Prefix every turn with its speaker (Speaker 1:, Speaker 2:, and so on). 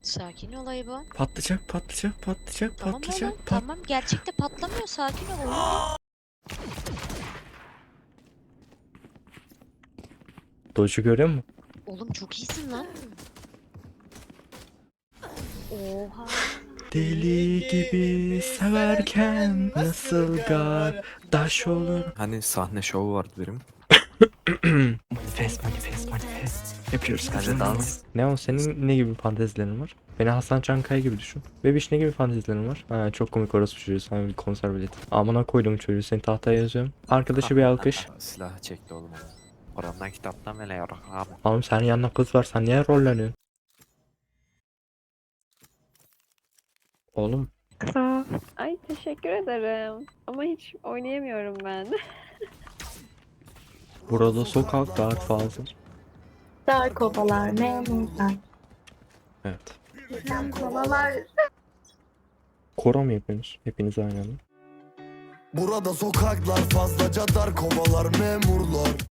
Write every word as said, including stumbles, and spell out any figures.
Speaker 1: Sakin ol Ayıba.
Speaker 2: Patlayacak, patlayacak, patlayacak,
Speaker 1: Tamam
Speaker 2: patlayacak,
Speaker 1: oğlum.
Speaker 2: pat.
Speaker 1: Tamam, gerçekte patlamıyor. Sakin ol. Oyun değil.
Speaker 2: Doge'u görüyor musun?
Speaker 1: Oğlum çok iyisin lan. Oha.
Speaker 2: Deli gibi severken nasıl gardaş olur?
Speaker 3: Hani sahne şovu vardı benim.
Speaker 2: Manifest, manifest, manifest. Yapıyoruz
Speaker 3: Hadi
Speaker 2: kızım.
Speaker 3: dans.
Speaker 2: Ne o, senin ne gibi fantezilerin var? Beni Hasan Çankaya gibi düşün. Bebiş, ne gibi fantezilerin var? Ha, çok komik orası çocuğu, sana bir konser bileti. Amına koydum çocuğu, seni tahtaya yazıyorum. Arkadaşı bir alkış.
Speaker 3: Silahı çekti oğlum onu. Orandan kitaptan bile yarak abi.
Speaker 2: Oğlum senin yanında kız var, sen niye rolleniyorsun? Oğlum
Speaker 4: Kısa. Ay teşekkür ederim. Ama hiç oynayamıyorum ben.
Speaker 2: burada sokaklar fazla.
Speaker 5: Dar kovalar memurlar.
Speaker 2: Evet.
Speaker 5: Bizden kovalar.
Speaker 2: Koro mu yapıyorsunuz? Hepiniz aynı anda.
Speaker 6: Burada sokaklar fazlaca dar, kovalar memurlar.